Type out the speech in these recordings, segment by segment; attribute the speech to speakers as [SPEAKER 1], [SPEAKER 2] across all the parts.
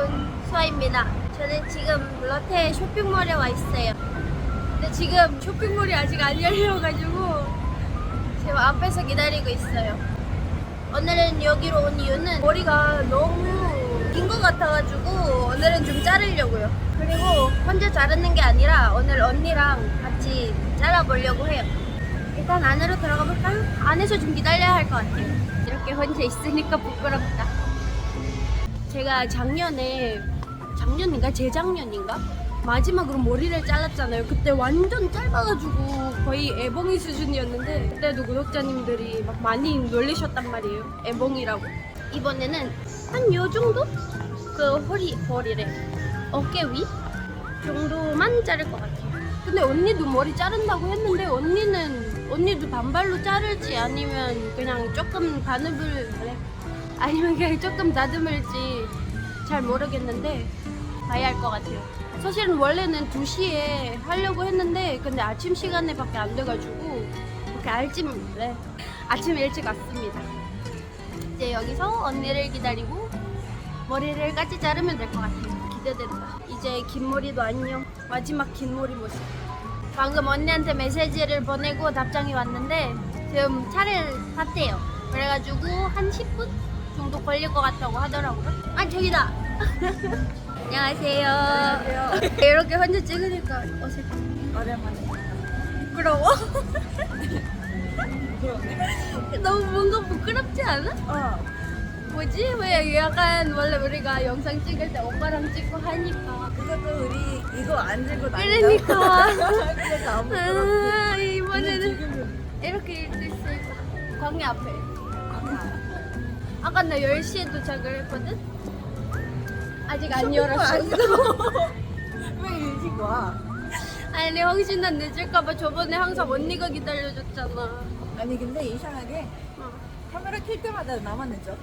[SPEAKER 1] 여러분, 수아입니다. 저는 지금 롯데 쇼핑몰에 와 있어요. 근데 지금 쇼핑몰이 아직 안 열려가지고 지금 앞에서 기다리고 있어요. 오늘은 여기로 온 이유는 머리가 너무 긴 것 같아가지고 오늘은 좀 자르려고요. 그리고 혼자 자르는 게 아니라 오늘 언니랑 같이 잘라보려고 해요. 일단 안으로 들어가 볼까요? 안에서 좀 기다려야 할 것 같아요. 이렇게 혼자 있으니까 부끄럽다. 제가 작년인가 재작년인가 마지막으로 머리를 잘랐잖아요. 그때 완전 짧아가지고 거의 애봉이 수준이었는데 그때도 구독자님들이 막 많이 놀리셨단 말이에요. 애봉이라고. 이번에는 한 요 정도? 그 허리래 어깨 위 정도만 자를 것 같아요. 근데 언니도 머리 자른다고 했는데 언니도 단발로 자를지 아니면 그냥 조금 아니면 그냥 조금 다듬을지 잘 모르겠는데 봐야 할 것 같아요. 사실은 원래는 2시에 하려고 했는데 근데 아침 시간에 밖에 안 돼가지고 이렇게 아침 일찍 왔습니다. 이제 여기서 언니를 기다리고 머리를 같이 자르면 될 것 같아요. 기대된다. 이제 긴 머리도 안녕. 마지막 긴 머리 모습. 방금 언니한테 메시지를 보내고 답장이 왔는데 지금 차를 탔대요. 그래가지고 한 10분 정도 걸릴 것 같다고 하더라고요. 아 저기다. 안녕하세요.
[SPEAKER 2] 안녕하세요.
[SPEAKER 1] 이렇게 혼자 찍으니까 어색해.
[SPEAKER 2] 오랜만에.
[SPEAKER 1] 부끄러워? 너무 뭔가 부끄럽지 않아? 뭐지? 왜 약간 원래 우리가 영상 찍을 때 오빠랑 찍고 하니까.
[SPEAKER 2] 그것도 우리 이거 안 들고 다니자.
[SPEAKER 1] 그러니까.
[SPEAKER 2] 그래서 안 부끄럽지.
[SPEAKER 1] 이번에는 이렇게 일수 있으니까 광야 앞에. 아까 나 10시에 도착을 했거든? 아직 안 열었어.
[SPEAKER 2] 왜 일찍 와?
[SPEAKER 1] 아니 혹시나 늦을까봐 저번에 항상 언니가 기다려줬잖아.
[SPEAKER 2] 아니 근데 이상하게 카메라 킬 때마다 나만 늦어.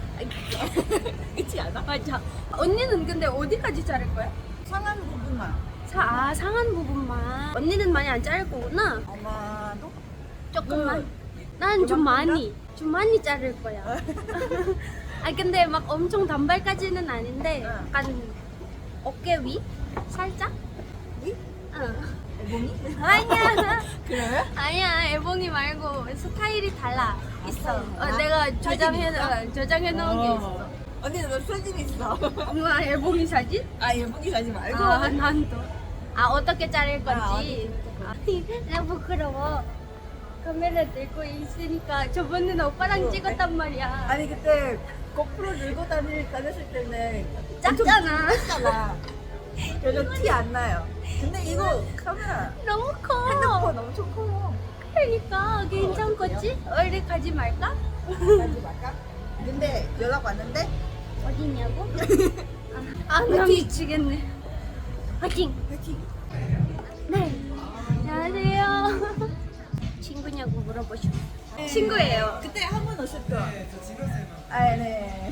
[SPEAKER 2] 그렇지 않아?
[SPEAKER 1] 맞아. 언니는 근데 어디까지 자를 거야?
[SPEAKER 2] 상한 부분만.
[SPEAKER 1] 상한 부분만. 언니는 많이 안 자를 거구나.
[SPEAKER 2] 아마도
[SPEAKER 1] 조금만. 난 좀 많이 자를 거야. 아 근데 막 엄청 단발까지는 아닌데 약간 어깨 위? 살짝?
[SPEAKER 2] 위?
[SPEAKER 1] 응.
[SPEAKER 2] 애봉이?
[SPEAKER 1] 아니야.
[SPEAKER 2] 그래요?
[SPEAKER 1] 아니야. 애봉이 말고 스타일이 달라. 있어.
[SPEAKER 2] 달라?
[SPEAKER 1] 내가
[SPEAKER 2] 사진 있어?
[SPEAKER 1] 저장해 놓은 게 있어.
[SPEAKER 2] 언니는 너 사진 있어.
[SPEAKER 1] 엄마 애봉이 사진?
[SPEAKER 2] 아 애봉이 사진 말고.
[SPEAKER 1] 난 또. 어떻게 자를
[SPEAKER 2] 아,
[SPEAKER 1] 건지. 나 부끄러워. 카메라 들고 있으니까 저번에는 오빠랑 찍었단 말이야.
[SPEAKER 2] 아니 그때 고프로 들고 다녔을 때는
[SPEAKER 1] 작잖아.
[SPEAKER 2] 작잖아. 그래서 티 안 나요. 근데 이거 카메라
[SPEAKER 1] 너무 커.
[SPEAKER 2] 핸드폰 엄청 커.
[SPEAKER 1] 그러니까 괜찮겠지? 원래 가지 말까?
[SPEAKER 2] 가지 말까? 근데 연락 왔는데
[SPEAKER 1] 어디냐고? 나 미치겠네. 화이팅!
[SPEAKER 2] 화이팅.
[SPEAKER 1] 네. 안녕하세요. 친구냐고 물어보시고. 친구예요.
[SPEAKER 2] 그때 한 번 오셨죠? 저 찍었어요. 아 네.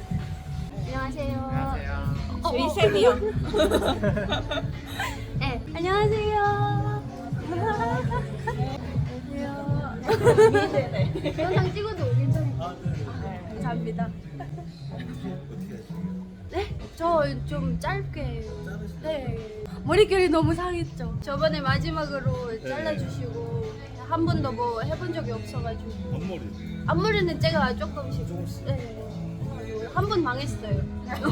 [SPEAKER 1] 안녕하세요.
[SPEAKER 2] 저희 쌤이요.
[SPEAKER 1] 네. 안녕하세요.
[SPEAKER 2] 네.
[SPEAKER 1] 영상 찍어도 괜찮아요. 감사합니다. 네? 저 좀 짧게. 네. 머릿결이 너무 상했죠. 저번에 마지막으로 잘라주시고 한 번도 뭐 해본 적이 없어가지고. 앞머리는 제가 조금씩. 네. 한 번 망했어요.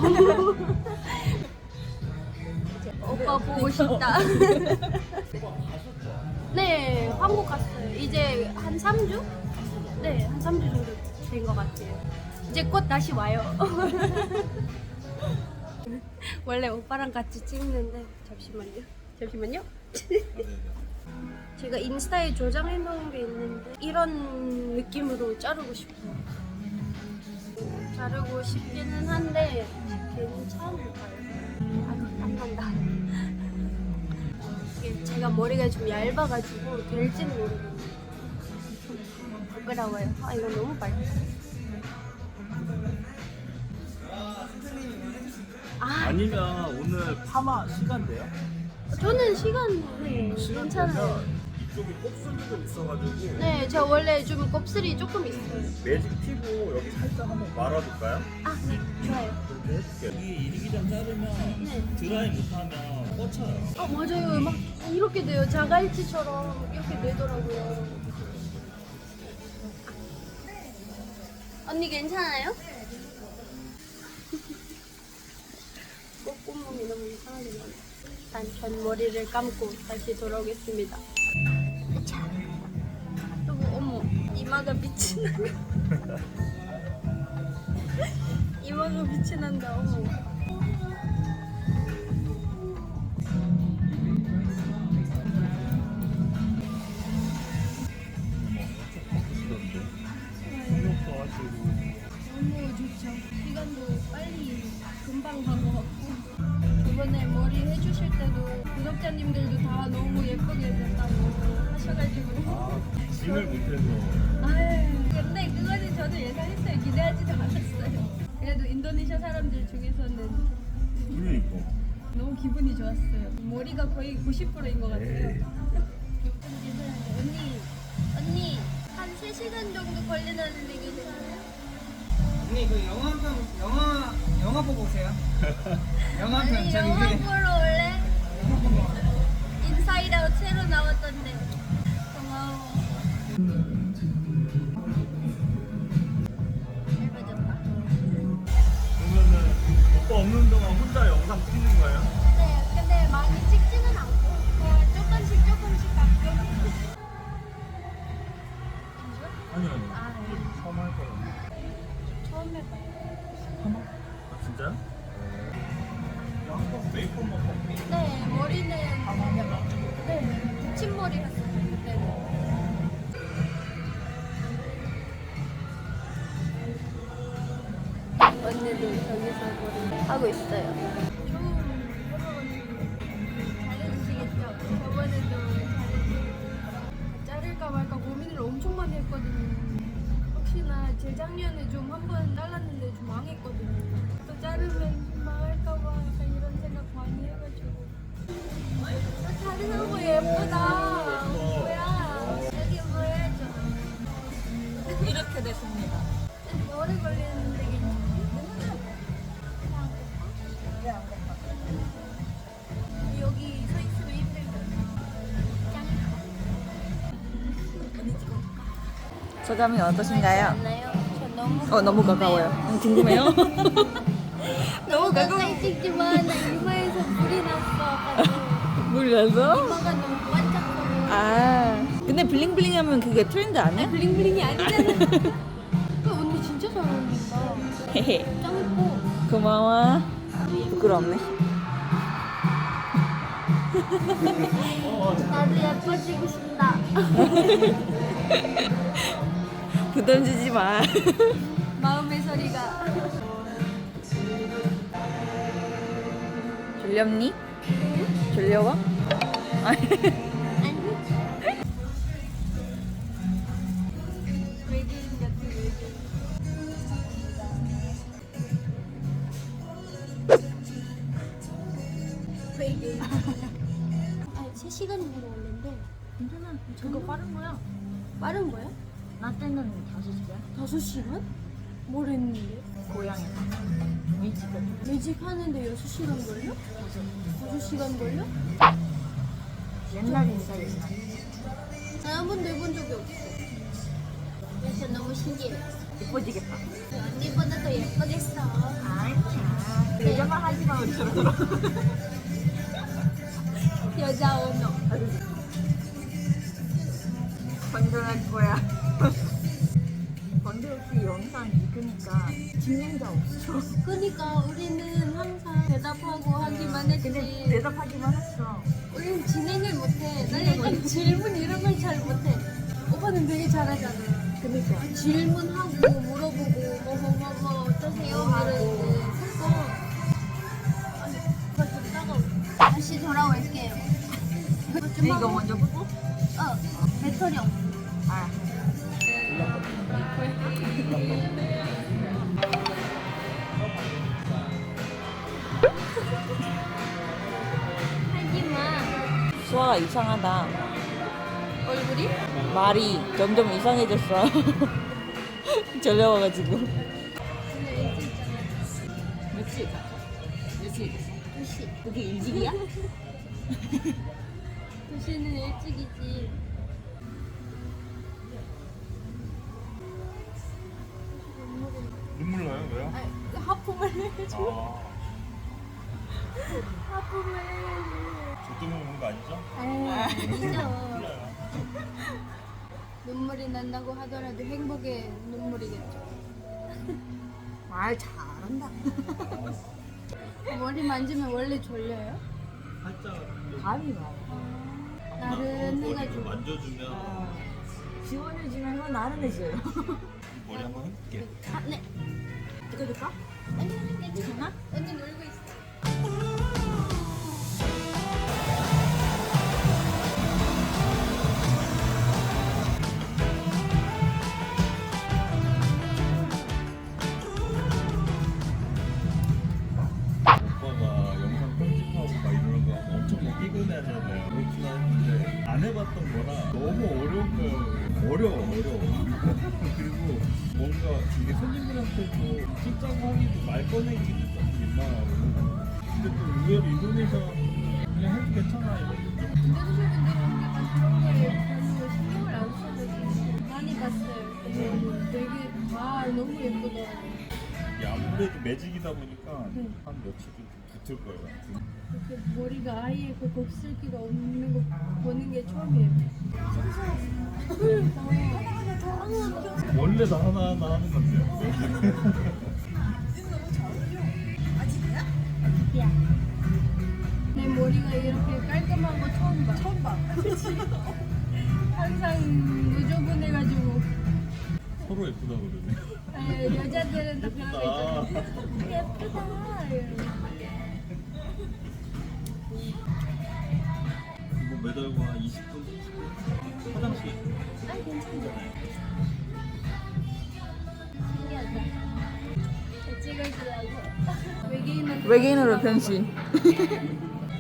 [SPEAKER 1] 오빠 보고 싶다. 네, 한국 갔어요. 이제 한 3주? 네, 한 3주 정도 된 것 같아요. 이제 곧 다시 와요. 원래 오빠랑 같이 찍는데 잠시만요. 제가 인스타에 저장해 놓은 게 있는데 이런 느낌으로 자르고 싶어요. 자르고 싶기는 한데 괜찮을까요? 안 난다. 이게 제가 머리가 좀 얇아가지고 될지는 모르겠네요. 부끄러워요. 이거 너무 빨리.
[SPEAKER 3] 아니면 오늘 파마 시간대요?
[SPEAKER 1] 저는 시간 괜찮아요.
[SPEAKER 3] 이쪽에 곱슬이 좀 있어가지고
[SPEAKER 1] 네, 저 원래 좀 곱슬이 조금 있어요.
[SPEAKER 3] 매직 피부 여기 살짝 한번 말아볼까요?
[SPEAKER 1] 네, 좋아요.
[SPEAKER 3] 이렇게 해줄게. 이게 이리기전 자르면
[SPEAKER 1] 네.
[SPEAKER 3] 드라이 못하면 꽂혀요.
[SPEAKER 1] 아 맞아요. 막 이렇게 돼요. 자갈치처럼 이렇게 되더라고요. 언니 괜찮아요? 꽃구멍이 너무 이상하게 나요. 일단 전 머리를 감고 다시 돌아오겠습니다. 자, 여보 어머 이마가 빛이 나. 이마가 빛이 난다. 어머. 너무 좋죠. 시간도 빨리 금방 간 것 같고 저번에 머리 해주실 때도 구독자님들도 다 너무 예쁘게 됐다고 하셔가지고
[SPEAKER 3] 짐을 못해서.
[SPEAKER 1] 아유 근데 그거는 저도 예상했어요. 기대하지도 않았어요. 그래도 인도네시아 사람들 중에서는
[SPEAKER 3] 그러니까.
[SPEAKER 1] 너무 기분이 좋았어요. 머리가 거의 90%인 것 같아요.
[SPEAKER 3] 에이.
[SPEAKER 1] 언니 한 3시간 정도 걸리는데 괜찮아요?
[SPEAKER 4] 언니 그 영화 보고 오세요. 영화 한 편
[SPEAKER 1] 아니
[SPEAKER 4] 저기
[SPEAKER 1] 영화
[SPEAKER 4] 위에
[SPEAKER 1] 보러 올래? 인사이드 아웃 새로 나왔던데 고마워. 잘 봐줬다.
[SPEAKER 3] 그러면은 오빠 없는 동안 혼자 영상 찍는 거예요?
[SPEAKER 1] 네 근데 많이 찍지는 않고 그냥 조금씩 가끔.
[SPEAKER 3] 아니요.
[SPEAKER 1] 아 네.
[SPEAKER 3] 처음 할 거예요.
[SPEAKER 1] 처음 해봐요.
[SPEAKER 3] 아 진짜요? 한번 메이크업만 먹고.
[SPEAKER 1] 네 머리는 네 붙임머리 했어요. 네. 언니도 저기서 머리 하고 있어요. 잘해주시겠죠? 저번에도 잘해주시고 자를까 말까 고민을 엄청 많이 했거든요. 혹시나 재작년에 좀 한 번 잘랐는데 좀 망했거든요. 또 자르면 좀 망할까봐 약간 이런 생각 많이 해가지고 다른 거 예쁘다. 뭐야 여기 보여줘.
[SPEAKER 2] 이렇게 됐습니다.
[SPEAKER 1] 오래 걸리는데 괜찮아?
[SPEAKER 2] 왜안 걷나?
[SPEAKER 1] 여기 서 있으면 힘들거든.
[SPEAKER 2] 소감이 어떠신가요?
[SPEAKER 1] 않나요? 저 너무
[SPEAKER 2] 너무 가까워요. 궁금해요?
[SPEAKER 1] 너무 가까이 찍지만 나 이마에서 물이 났어.
[SPEAKER 2] 물 나서?
[SPEAKER 1] 이마가 너무 반짝거려.
[SPEAKER 2] 아, 근데 블링블링하면 그게 트렌드 아니야?
[SPEAKER 1] 블링블링이 아니잖아. 그 언니 진짜 잘 어울린다.
[SPEAKER 2] 헤헤.
[SPEAKER 1] 짱 예뻐.
[SPEAKER 2] 고마워. 부끄럽네.
[SPEAKER 1] 나도 예뻐지고 싶다.
[SPEAKER 2] 부담 주지 마.
[SPEAKER 1] 마음의 소리가.
[SPEAKER 2] 졸렵니? 졸려워?
[SPEAKER 1] 아니. 외계인 같은 외계인. 외계인. 아, 3시간이면 왔는데
[SPEAKER 5] 괜찮아. 저거 빠른 거야.
[SPEAKER 1] 빠른 거야?
[SPEAKER 5] 나 때는 5시간.
[SPEAKER 1] 5시간? 뭘 했는데?
[SPEAKER 5] 고향에서. 일찍은.
[SPEAKER 1] 매직 하는데 6시간 걸려? 5시간 걸려?
[SPEAKER 5] 옛날 인사였나?
[SPEAKER 1] 나 한 번도 해본 적이 없어. 그래서 너무 신기해.
[SPEAKER 5] 예뻐지겠다.
[SPEAKER 1] 언니보다 더 예쁘겠어.
[SPEAKER 5] 아니야. 여자만 하지 마, 우리처럼.
[SPEAKER 1] 여자 언어.
[SPEAKER 5] 건전할 거야. 건조 없이 영상 찍으니까 진행자 없어.
[SPEAKER 1] 그러니까 우리는 항상 대답하고 하기만 했지.
[SPEAKER 5] 근데 대답하기만 했어.
[SPEAKER 1] 우리는 진행을 못해. 나 약간 질문 이런 걸 잘 못해. 오빠는 되게 잘하잖아.
[SPEAKER 5] 그니까.
[SPEAKER 1] 질문하고 물어보고 뭐 어떠세요? 이러는데 그거 아니 그거 좀 따가워. 다시 돌아올게요. 좀
[SPEAKER 5] 이거
[SPEAKER 1] 하고.
[SPEAKER 5] 먼저 끄고?
[SPEAKER 1] 배터리 없어.
[SPEAKER 5] 아.
[SPEAKER 1] 하지마.
[SPEAKER 2] 수아가 이상하다.
[SPEAKER 1] 얼굴이?
[SPEAKER 2] 말이 점점 이상해졌어. 졸려워가지고.
[SPEAKER 1] 근데 일찍 있잖아.
[SPEAKER 5] 시에 잤어? 몇 시에 잤어?
[SPEAKER 1] 2시.
[SPEAKER 5] 그게 일찍이야?
[SPEAKER 1] 2시는 일찍이지.
[SPEAKER 3] 눈물 나요? 왜요?
[SPEAKER 1] 아니, 하품을 해줘.
[SPEAKER 3] 아,
[SPEAKER 1] 하품을 해줘.
[SPEAKER 3] 저 때문에 오는 거 아니죠?
[SPEAKER 1] 아니죠.
[SPEAKER 3] 몰라요.
[SPEAKER 1] 눈물이 난다고 하더라도 행복의 눈물이겠죠.
[SPEAKER 5] 말 잘한다.
[SPEAKER 1] 머리 만지면 원래 졸려요?
[SPEAKER 3] 살짝
[SPEAKER 5] 감이 와.
[SPEAKER 1] 나른해가지고.
[SPEAKER 3] 만져주면
[SPEAKER 5] 시원해지면 나른해져요.
[SPEAKER 3] 머리 한번 해볼게.
[SPEAKER 1] 아, 네.
[SPEAKER 5] 찍어줄까?
[SPEAKER 1] 아니, 괜찮아? 언니 놀고 있어.
[SPEAKER 3] 오빠가 영상 편집하고 막 이러는 거 엄청 막 피곤해하잖아요. 그렇구나 했는데 안 해봤던 거라 너무 어려운 거예요. 어려워. 그리고 뭔가 이게 손님들한테도 출장 하기도 말 꺼내기도 좀 민망하고 근데 또 의외로 인도네시아 그냥 해도 괜찮아 이거.
[SPEAKER 1] 인도네시아분들은 약간 그런 거에 별로 신경을 안 써서 많이 봤어요. 근데 되게 다 너무 예쁘더라고요.
[SPEAKER 3] 이게 아무래도 매직이다 보니까 한 며칠 좀 붙을 거예요.
[SPEAKER 1] 이렇게 머리가 아예 그 곱슬기가 없는 거 보는 게 처음이에요.
[SPEAKER 3] 원래 나 하나하나 하는 건데요.
[SPEAKER 1] 야. 내 머리가 이렇게 깔끔한 거 처음 봐.
[SPEAKER 2] 처음 봐.
[SPEAKER 1] 항상 노조분해가지고
[SPEAKER 3] 서로 예쁘다 그러네.
[SPEAKER 1] 여자들은 다 그런 거 있잖아. 예쁘다. 이러면서.
[SPEAKER 3] 이거 매달고 한 20분 화장실.
[SPEAKER 1] 아 괜찮아. 신기하다. 찍어주라고. 외계인한테
[SPEAKER 5] 외계인으로 변신.
[SPEAKER 1] 힘들지.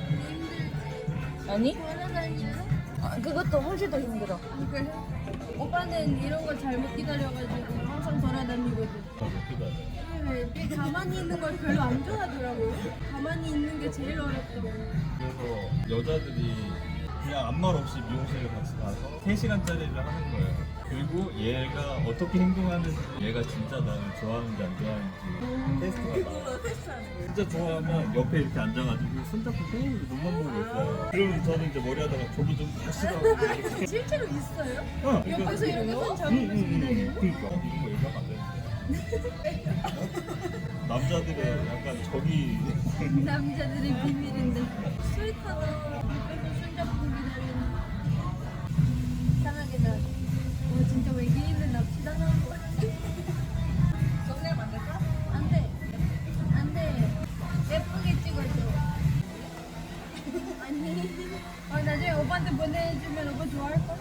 [SPEAKER 5] 아니?
[SPEAKER 1] 돌아다니면?
[SPEAKER 5] 그것도 훨씬 더 힘들어.
[SPEAKER 1] 아 그래? 오빠는 이런 거 잘못 기다려가지고 항상 돌아다니거든.
[SPEAKER 3] 몇 개다.
[SPEAKER 1] 네, 가만히 있는 걸 별로 안 좋아하더라고요. 가만히 있는 게 제일 어렵다고.
[SPEAKER 3] 그래서 여자들이 그냥 아무 말 없이 미용실에 같이 가서 3시간짜리를 하는 거예요. 그리고 얘가 어떻게 행동하는지 얘가 진짜 나를 좋아하는지 안 좋아하는지 테스트가 나와요. 진짜 좋아하면 옆에 이렇게 앉아가지고 손잡고 계속 눈만 보고 있어요. 그러면 저는 이제 머리 하다가 저도 좀 다시 가고 이렇게.
[SPEAKER 1] 실제로 있어요?
[SPEAKER 3] 어,
[SPEAKER 1] 옆에서 이렇게 손 잡으면서 기다려요?
[SPEAKER 3] 그러니까 이런 거 얘기하면 안 되는데. 남자들의 약간 적이
[SPEAKER 1] 남자들의 비밀인데 스웨터도 옆에서 손잡고 기다리는 이상하게 나 진짜 외계인은 납치당한 거 같아.
[SPEAKER 2] 썸네일 만들까?
[SPEAKER 1] 안돼 안돼 예쁘게 찍어줘. 아니 나중에 오빠한테 보내주면 오빠 좋아할걸?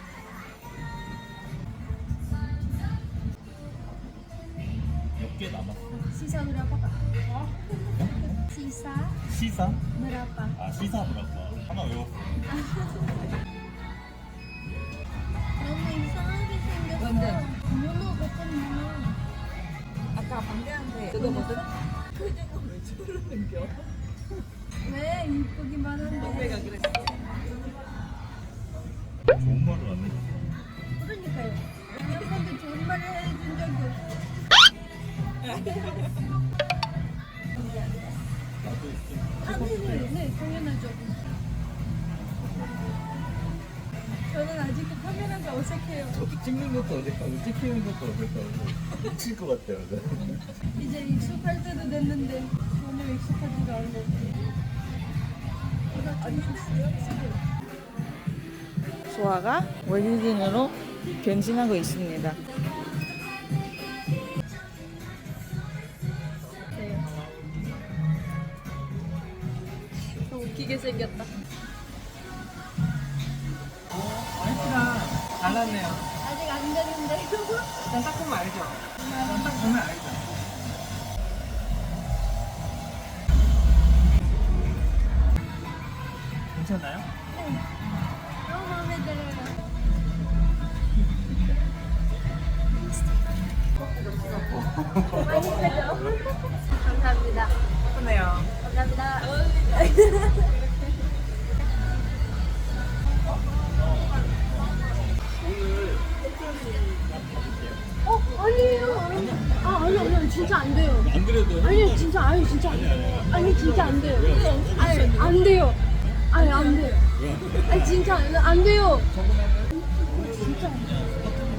[SPEAKER 3] 몇 개 남았어.
[SPEAKER 1] Sisa berapa kak? Sisa
[SPEAKER 3] 시사?
[SPEAKER 1] berapa?
[SPEAKER 3] 아 시사 뭐랄까 하나 외웠어.
[SPEAKER 1] 너무 이상하게 생겼어.
[SPEAKER 5] 완전.
[SPEAKER 1] 문어 같은 문어.
[SPEAKER 2] 아까 방대한테
[SPEAKER 5] 뜯어보든?
[SPEAKER 2] 표정은 왜 저러는겨?
[SPEAKER 1] 왜 이쁘기만 한데?
[SPEAKER 2] 내가 그랬어.
[SPEAKER 3] 좋은 말을 안 해줬어.
[SPEAKER 1] 그러니까요. 한 번도 좋은 말을 해준 적이 없어.
[SPEAKER 3] 나도 좀
[SPEAKER 1] 아, 네, 당연하죠. 저는 아직도 카메라가 어색해요.
[SPEAKER 3] 저도 찍는 것도 어색하고 찍히는 것도 어색하고 미칠 것 같아요.
[SPEAKER 1] 이제 익숙할 때도 됐는데 전혀 익숙하지가 않네.
[SPEAKER 5] 소아가 외계인으로 변신하고 있습니다.
[SPEAKER 1] 더 웃기게 생겼다.
[SPEAKER 4] 아이스랑 달랐네요.
[SPEAKER 1] 아직 안 됐는데.
[SPEAKER 4] 일단 딱 보면 알죠? 일단 딱 보면 알죠? 괜찮아요?
[SPEAKER 1] 너무 마음에 들어요. 맛있어요. 감사합니다.
[SPEAKER 2] 예쁘네요.
[SPEAKER 1] 감사합니다. 아니에요. 아니, 진짜 안 돼요.
[SPEAKER 3] 안 그래도
[SPEAKER 1] 아니, 진짜 안 돼요. 아니, 진짜 안 돼요. 아니, 안 돼요. 아니, 안 돼요. 아니, 진짜 안 돼요. 진짜 안 돼요.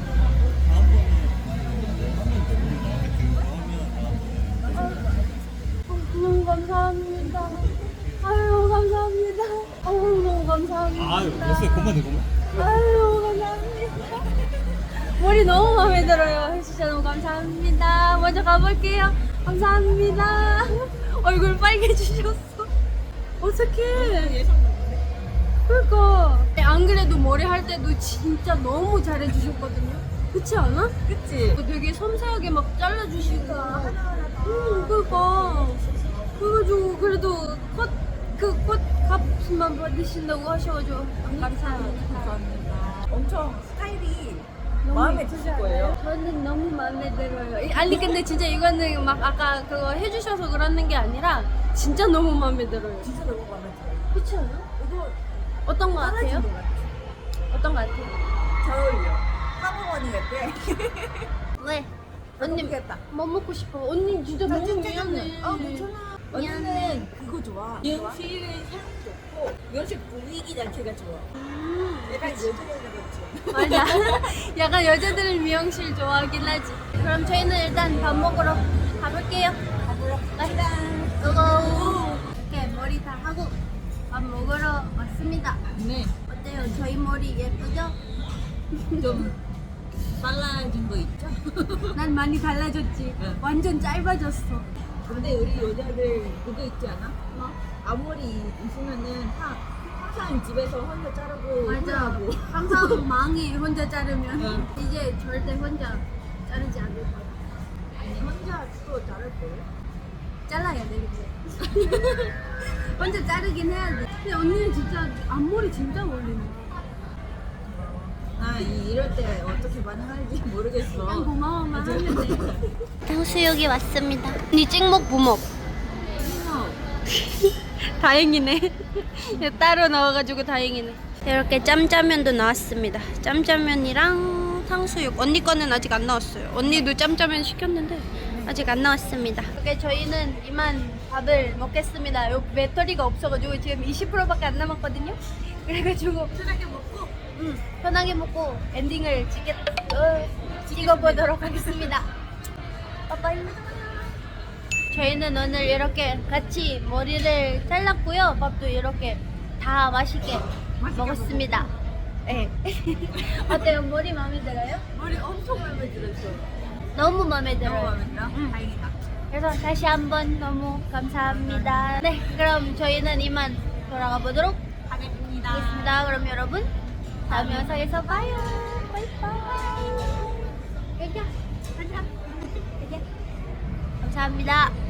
[SPEAKER 1] 너무 감사합니다. 아유, 감사합니다. 너무 감사합니다.
[SPEAKER 3] 아유 됐어요. 그만.
[SPEAKER 1] 아유, 감사합니다. 머리 너무 마음에 들어요. 해주셔서 너무 감사합니다. 먼저 가볼게요. 감사합니다. 얼굴 빨개지셨어. 어떡해. 그러니까 안 그래도 머리 할 때도 진짜 너무 잘해주셨거든요. 그렇지 않아?
[SPEAKER 2] 그치?
[SPEAKER 1] 되게 섬세하게 막 잘라주시고. 그러니까. 그래가지고 그래도 꽃 값만 받으신다고 하셔가지고 감사합니다.
[SPEAKER 2] 감사합니다. 엄청 스타일이
[SPEAKER 1] 너무
[SPEAKER 2] 마음에
[SPEAKER 1] 예쁘지
[SPEAKER 2] 드실 거예요.
[SPEAKER 1] 않아요? 저는 너무 마음에 들어요. 아니 근데 진짜 이거는 막 아까 그거 해주셔서 그러는 게 아니라 진짜 너무 마음에 들어요.
[SPEAKER 2] 진짜 너무 마음에 들어요.
[SPEAKER 1] 그렇지 않아?
[SPEAKER 2] 이거
[SPEAKER 1] 어떤 거 같아요?
[SPEAKER 2] 떨어진 것 같아.
[SPEAKER 1] 어떤 거 같아요?
[SPEAKER 2] 잘 어울려. 사모언니 같아.
[SPEAKER 1] 왜? 언니
[SPEAKER 2] 모르겠다.
[SPEAKER 1] 뭐 먹고 싶어? 언니 진짜 너무 미안해.
[SPEAKER 2] 괜찮아.
[SPEAKER 1] 미안해.
[SPEAKER 2] 언니는 그거 좋아. 미용실의 향 좋고 미용실 분위기 자체가 좋아. 약간 여자애들 같지.
[SPEAKER 1] 맞아. 약간 여자들은 미용실 좋아하긴 하지. 그럼 저희는 일단 밥 먹으러 가볼게요. 갑시다. 고고. 이렇게 머리 다 하고 밥 먹으러 왔습니다.
[SPEAKER 2] 네.
[SPEAKER 1] 어때요? 저희 머리 예쁘죠?
[SPEAKER 2] 좀 빨라진 거 있죠?
[SPEAKER 1] 난 많이 달라졌지.
[SPEAKER 2] 응.
[SPEAKER 1] 완전 짧아졌어.
[SPEAKER 2] 근데 우리 여자들 그거 있지 않아?
[SPEAKER 1] 뭐?
[SPEAKER 2] 앞머리 있으면은 항상 집에서 혼자 자르고
[SPEAKER 1] 맞아.
[SPEAKER 2] 후회하고.
[SPEAKER 1] 항상 망해 혼자 자르면.
[SPEAKER 2] 응.
[SPEAKER 1] 이제 절대 혼자 자르지 않을 거야.
[SPEAKER 2] 아니 혼자 또 자를 거예요?
[SPEAKER 1] 잘라야 돼 이제. 혼자 자르긴 해야 돼. 근데 언니는 진짜 앞머리 진짜 어울리네.
[SPEAKER 2] 나 이럴 때 어떻게 반응할지 모르겠어.
[SPEAKER 1] 그냥 고마워만 하면 돼.
[SPEAKER 6] 탕수육이 왔습니다.
[SPEAKER 1] 언니 찍먹 부먹. 다행이네. 따로 넣어가지고 다행이네. 이렇게 짬짜면도 나왔습니다. 짬짜면이랑 탕수육. 언니 거는 아직 안 나왔어요. 언니도 짬짜면 시켰는데 아직 안 나왔습니다. 이렇게 저희는 이만 밥을 먹겠습니다. 요 배터리가 없어가지고 지금 20%밖에 안 남았거든요. 그래가지고 편하게 먹고, 편하게 먹고 엔딩을 찍어보도록 하겠습니다. 빠빠이. 저희는 오늘 이렇게 같이 머리를 잘랐고요. 밥도 이렇게 다 맛있게 먹었습니다. 네. 어때요? 머리 마음에 들어요?
[SPEAKER 2] 머리 엄청 마음에 들었어.
[SPEAKER 1] 너무 마음에 들어요.
[SPEAKER 2] 너무 마음에 들어? 다행이다.
[SPEAKER 1] 그래서 다시 한번 너무 감사합니다. 네, 그럼 저희는 이만 돌아가 보도록 하겠습니다. 그럼 여러분 다음 영상에서 봐요. 바이바이. 여기야. 가자. 여기야. 감사합니다.